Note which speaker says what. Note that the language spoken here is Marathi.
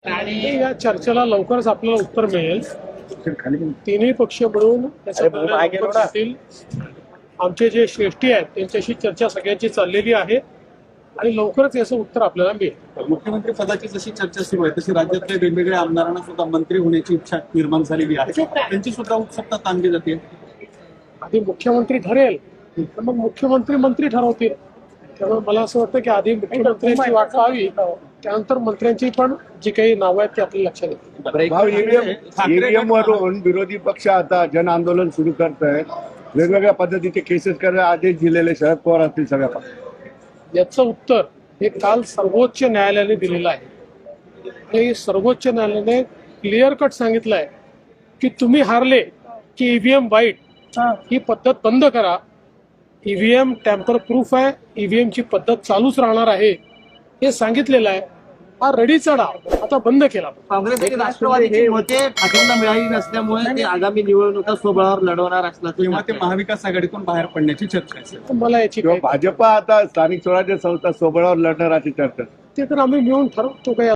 Speaker 1: आणि या चर्चेला लवकरच आपल्याला उत्तर मिळेल. तिन्ही पक्ष मिळून त्याचा निर्णय लवकर घेतील. आमचे जे श्रेष्ठी आहेत त्यांच्याशी चर्चा सगळ्यांची चाललेली आहे आणि लवकरच याचं उत्तर आपल्याला मिळेल.
Speaker 2: मुख्यमंत्री पदाची जशी चर्चा सुरू आहे तशी राज्यातल्या वेगवेगळ्या आमदारांना सुद्धा मंत्री होण्याची इच्छा निर्माण झालेली आहे. त्यांची सुद्धा उत्सुकता ताणली जाते.
Speaker 1: आधी मुख्यमंत्री ठरेल तर मग मुख्यमंत्री मंत्री ठरवतील. त्यामुळे मला असं वाटतं की आधी मुख्यमंत्र्यांची वाट पाहावी, त्यानंतर मंत्र्यांची पण जी काही नावं आहेत ती आपल्याला लक्षात येतील.
Speaker 3: ईव्हीएम वरून विरोधी पक्ष आता जन आंदोलन सुरू करत आहेत. वेगवेगळ्या पद्धतीचे केसेस करायला आदेश दिलेले शरद पवार असतील सगळ्या पक्षांना.
Speaker 1: याचं उत्तर हे काल सर्वोच्च न्यायालयाने दिलेलं आहे. आणि सर्वोच्च न्यायालयाने क्लिअर कट सांगितलं आहे की तुम्ही हारले की ईव्हीएम वाईट ही पद्धत बंद करा. ईव्हीएम टॅम्पर प्रूफ आहे, ईव्हीएम ची पद्धत चालूच राहणार आहे हे सांगितलेलं आहे. हा रडीचा डाव आता बंद केला.
Speaker 4: काँग्रेस आणि राष्ट्रवादीचे मते पाठिंबा मिळाली नसल्यामुळे ते आगामी निवडणुका स्वबळावर लढवणार असल्याचं
Speaker 2: तेव्हा ते महाविकास आघाडीतून बाहेर पडण्याची चर्चा आहे.
Speaker 1: मला याची
Speaker 3: किंवा भाजपा आता स्थानिक स्वराज्य संस्था सोबळावर लढणार अशी चर्चा.
Speaker 1: ते तर आम्ही मिळून ठरवतो. काही